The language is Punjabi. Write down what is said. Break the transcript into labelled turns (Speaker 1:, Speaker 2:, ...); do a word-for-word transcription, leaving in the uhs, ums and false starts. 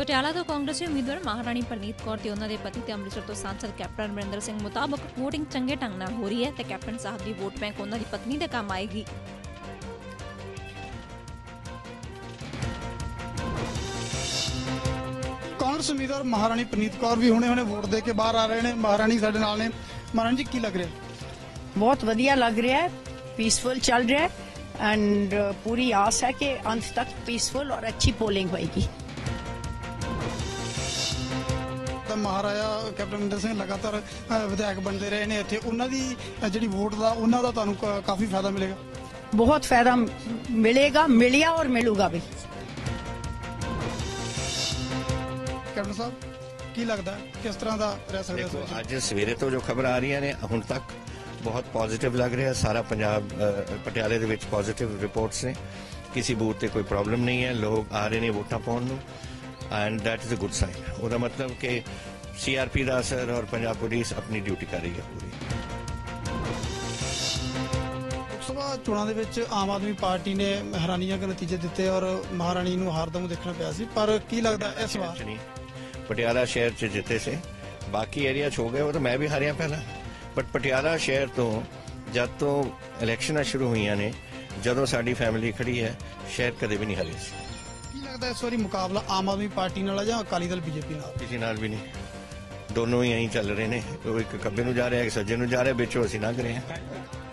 Speaker 1: ਪਟਿਆਲਾ ਤੋਂ ਕਾਂਗਰਸੀ ਉਮੀਦਵਾਰ ਮਹਾਰਾਣੀ ਪ੍ਰਨੀਤ ਕੌਰ ਤੇ ਉਹਨਾਂ ਦੇ ਪਤੀ ਤੇ ਅੰਮ੍ਰਿਤਸਰ ਤੋਂ ਸਾਂਸਦ ਕੈਪਟਨ ਅਮਰਿੰਦਰ ਸਿੰਘ ਮੁਤਾਬਕ ਵੋਟਿੰਗ ਚੰਗੇ ਢੰਗ ਨਾਲ ਹੋ ਰਹੀ ਹੈ ਤੇ ਕੈਪਟਨ ਸਾਹਿਬ ਦੀ ਵੋਟ ਬੈਂਕ ਉਹਨਾਂ ਦੀ ਪਤਨੀ ਦੇ ਕੰਮ ਆਏਗੀ।
Speaker 2: ਕਾਂਗਰਸ ਉਮੀਦਵਾਰ ਮਹਾਰਾਣੀ ਪ੍ਰਨੀਤ ਕੌਰ ਵੀ ਹੁਣੇ ਹੁਣੇ ਵੋਟ ਦੇ ਕੇ ਬਾਹਰ ਆ ਰਹੇ ਨੇ। ਮਹਾਰਾਣੀ ਸਾਡੇ ਨਾਲ ਨੇ। ਮਹਾਰਾਣੀ ਜੀ, ਕੀ ਲੱਗ ਰਿਹਾ?
Speaker 3: बहुत वधिया लग रहा है, पीसफुल चल रहा है एंड पूरी आस है कि अंत तक पीसफुल और अच्छी पोलिंग होएगी।
Speaker 2: ਤਾਂ ਮਹਾਰਾਜਾ ਕੈਪਟਨ ਅਮਰਿੰਦਰ ਸਿੰਘ ਲਗਾਤਾਰ ਵਿਧਾਇਕ ਬਣਦੇ ਰਹੇ ਨੇ ਇੱਥੇ। ਉਹਨਾਂ ਦੀ ਜਿਹੜੀ ਵੋਟ ਦਾ ਉਹਨਾਂ ਦਾ ਤੁਹਾਨੂੰ ਕਾਫੀ ਫਾਇਦਾ ਮਿਲੇਗਾ।
Speaker 3: बहुत फायदा मिलेगा, मिलिया और मिलूगा भी।
Speaker 2: ਕੈਪਟਨ ਸਾਹਿਬ, ਕੀ ਲੱਗਦਾ ਕਿਸ ਤਰ੍ਹਾਂ ਦਾ ਰਹਿ ਸਕਦਾ?
Speaker 4: ਦੇਖੋ, ਅੱਜ ਸਵੇਰੇ ਤੋਂ ਜੋ ਖਬਰ ਆ ਰਹੀਆਂ ਨੇ ਹੁਣ ਤੱਕ ਬਹੁਤ ਪੋਜ਼ਿਟਿਵ ਲੱਗ ਰਿਹਾ। ਸਾਰਾ ਪੰਜਾਬ ਪਟਿਆਲੇ ਦੇ ਵਿੱਚ ਪੋਜ਼ਿਟਿਵ ਰਿਪੋਰਟਸ ਨੇ। ਕਿਸੇ ਬੂਥ ਤੇ ਕੋਈ ਪ੍ਰੋਬਲਮ ਨਹੀਂ ਹੈ। ਲੋਕ ਆ ਰਹੇ ਨੇ ਵੋਟਾਂ ਪਾਉਣ ਨੂੰ and that is a good sign. ਉਹਦਾ ਮਤਲਬ ਕਿ ਸੀਆਰਪੀ ਦਾ ਅਸਰ ਔਰ ਪੰਜਾਬ ਪੁਲਿਸ ਆਪਣੀ ਡਿਊਟੀ ਕਰ ਰਹੀ ਹੈ ਪੂਰੀ।
Speaker 2: ਲੋਕ ਸਭਾ ਚੋਣਾਂ ਦੇ ਵਿੱਚ ਆਮ ਆਦਮੀ ਪਾਰਟੀ ਨੇ ਹੈਰਾਨੀਜਨਕ ਨਤੀਜੇ ਦਿੱਤੇ ਔਰ ਮਹਾਰਾਣੀ ਨੂੰ ਹਾਰ ਦਾ ਮੂੰਹ ਦੇਖਣਾ ਪਿਆ ਸੀ। ਪਰ ਕੀ ਲੱਗਦਾ ਇਸ ਵਾਰ?
Speaker 4: ਪਟਿਆਲਾ ਸ਼ਹਿਰ 'ਚ ਜਿੱਤੇ ਸੀ, ਬਾਕੀ ਏਰੀਆ 'ਚ ਹੋ ਗਏ। ਉਹ ਤਾਂ ਮੈਂ ਵੀ ਹਾਰਿਆ ਪਹਿਲਾਂ, ਬਟ ਪਟਿਆਲਾ ਸ਼ਹਿਰ ਤੋਂ ਜਦ ਤੋਂ ਇਲੈਕਸ਼ਨਾਂ ਸ਼ੁਰੂ ਹੋਈਆਂ ਨੇ, ਜਦੋਂ ਸਾਡੀ ਫੈਮਿਲੀ ਖੜੀ ਹੈ, ਸ਼ਹਿਰ ਕਦੇ ਵੀ ਨਹੀਂ ਹਾਰਿਆ ਸੀ।
Speaker 2: ਕੀ ਲੱਗਦਾ ਇਸ ਵਾਰੀ ਮੁਕਾਬਲਾ ਆਮ ਆਦਮੀ ਪਾਰਟੀ ਨਾਲ ਜਾਂ ਅਕਾਲੀ ਦਲ ਬੀਜੇਪੀ ਨਾਲ?
Speaker 4: ਕਿਸੇ ਨਾਲ ਵੀ ਨਹੀਂ। ਦੋਨੋਂ ਹੀ ਐਂ ਚੱਲ ਰਹੇ ਨੇ। ਉਹ ਇੱਕ ਖੱਬੇ ਨੂੰ ਜਾ ਰਿਹਾ, ਇੱਕ ਸੱਜੇ ਨੂੰ ਜਾ ਰਿਹਾ, ਵਿੱਚੋਂ ਅਸੀਂ ਲੰਘ ਰਹੇ ਹਾਂ।